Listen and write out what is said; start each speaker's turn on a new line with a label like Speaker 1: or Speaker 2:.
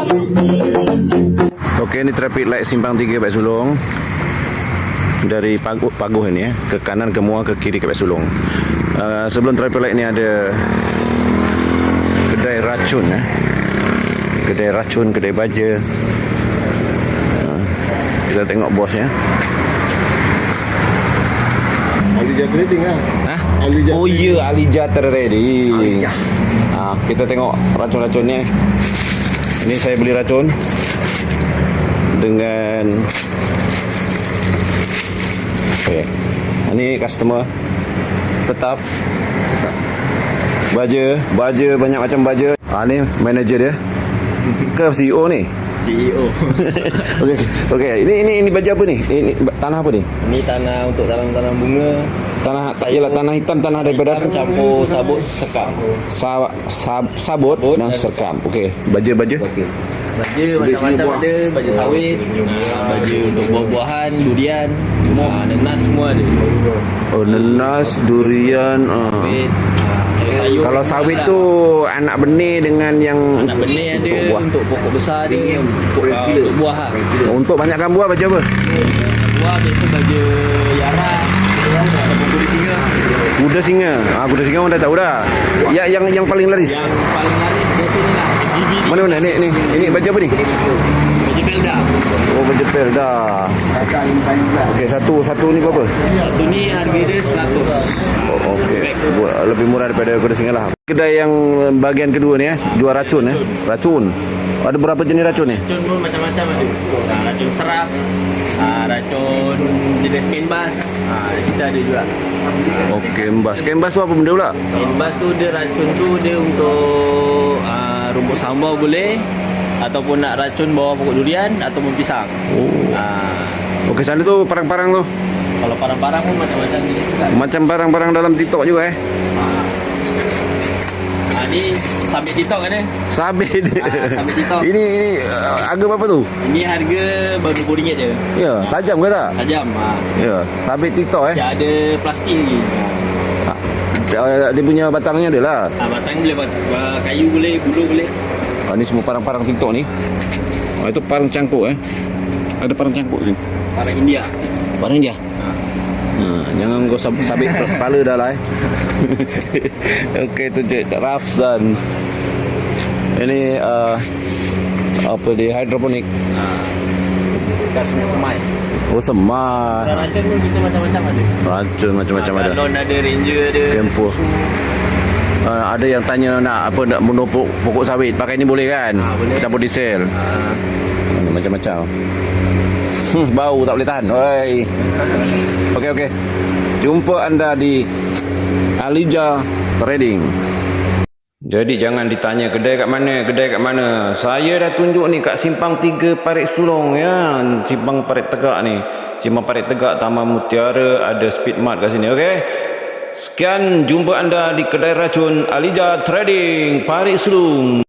Speaker 1: Okey, ni traffic light simpang 3 Pak Sulong. Dari Paguh ini ke kanan, ke Muar, ke kiri ke Pak Sulong. Sebelum traffic light ni ada kedai racun kedai racun, kedai baja. Kita tengok bosnya.
Speaker 2: Alija Trading lah.
Speaker 1: Oh ya, Alija Trading. Kita tengok racun-racunnya. Ini saya beli racun dengan ini customer tetap baja banyak macam baja. Ni manager dia ke CEO ni?
Speaker 3: CEO.
Speaker 1: Okey. Ini baja apa ni? Ini tanah apa ni?
Speaker 3: Ini tanah untuk tanam bunga.
Speaker 1: Tanah tak ialah tanah hitam, tanah daripada apa?
Speaker 3: Campur sabut sekam.
Speaker 1: Sabut dan sekam. Okey, baja.
Speaker 3: Baja macam-macam ada, baja sawit, baja untuk buah-buahan, durian, nenas semua ada.
Speaker 1: Oh, nenas, durian. Kalau sawit tu anak benih dengan yang
Speaker 3: anak benih ada, untuk pokok besar ada, untuk buah lah.
Speaker 1: Untuk banyakkan buah baca apa?
Speaker 3: Buah biasa baja yarah, ataupun kuda singa.
Speaker 1: Kuda singa. Kuda singa orang dah tahu dah. Yang paling laris.
Speaker 3: Yang paling laris biasa ni lah.
Speaker 1: Mana ni? Ini baja apa ni?
Speaker 3: Baja pelda.
Speaker 1: Oh, baja pelda. Okey, satu ni berapa?
Speaker 3: Satu ni harga dia 100.
Speaker 1: Oh, okey. Lebih murah daripada kuda singa lah. Kedai yang bahagian kedua ni jual racun. Racun. Ada berapa jenis racun ni?
Speaker 3: Racun pun macam-macam ada. Racun serap, racun jenis kembas. Kita ada juga.
Speaker 1: Okey, kembas tu apa benda pula?
Speaker 3: Kembas tu dia racun tu dia untuk rumput sambal boleh, ataupun nak racun bawah pokok durian ataupun pisang.
Speaker 1: Okey, sana tu parang-parang tu.
Speaker 3: Kalau parang-parang pun macam-macam ni.
Speaker 1: Macam parang-parang dalam TikTok juga
Speaker 3: Ni sabit TikTok kan
Speaker 1: Sabit.
Speaker 3: Sabit TikTok.
Speaker 1: Ini harga berapa tu?
Speaker 3: Ini harga baru RM20 je.
Speaker 1: Ya, tajam ke tak?
Speaker 3: Tajam.
Speaker 1: Ya, sabit TikTok
Speaker 3: Dia ada plastik lagi.
Speaker 1: Dia punya batangnya ada lah.
Speaker 3: Batang boleh, kayu boleh, bulu boleh.
Speaker 1: Ni semua parang-parang TikTok ni. Itu parang cangkuk Ada parang cangkuk ni.
Speaker 3: Parang India.
Speaker 1: Parang India. Jangan kau sabit kepala dah lah Okey, tu je Rafzan. Ini apa dia, hidroponik.
Speaker 3: Kasnya semai.
Speaker 1: Oh, semai.
Speaker 3: Racun pun kita macam-macam ada.
Speaker 1: Racun macam-macam ada.
Speaker 3: Galon ada, ranger ada.
Speaker 1: Kempo. Ada yang tanya nak bunuh pokok sawit, pakai ni boleh kan?
Speaker 3: Boleh.
Speaker 1: Campur diesel. Macam-macam. Bau tak boleh tahan. Oi. Okey. Jumpa anda di Alija Trading. Jadi jangan ditanya kedai kat mana. Saya dah tunjuk ni kat Simpang 3 Parit Sulong ya. Simpang Parit Tegak ni. Simpang Parit Tegak, Taman Mutiara, ada Speedmart kat sini. Okey. Sekian, jumpa anda di kedai racun Alija Trading Parit Sulong.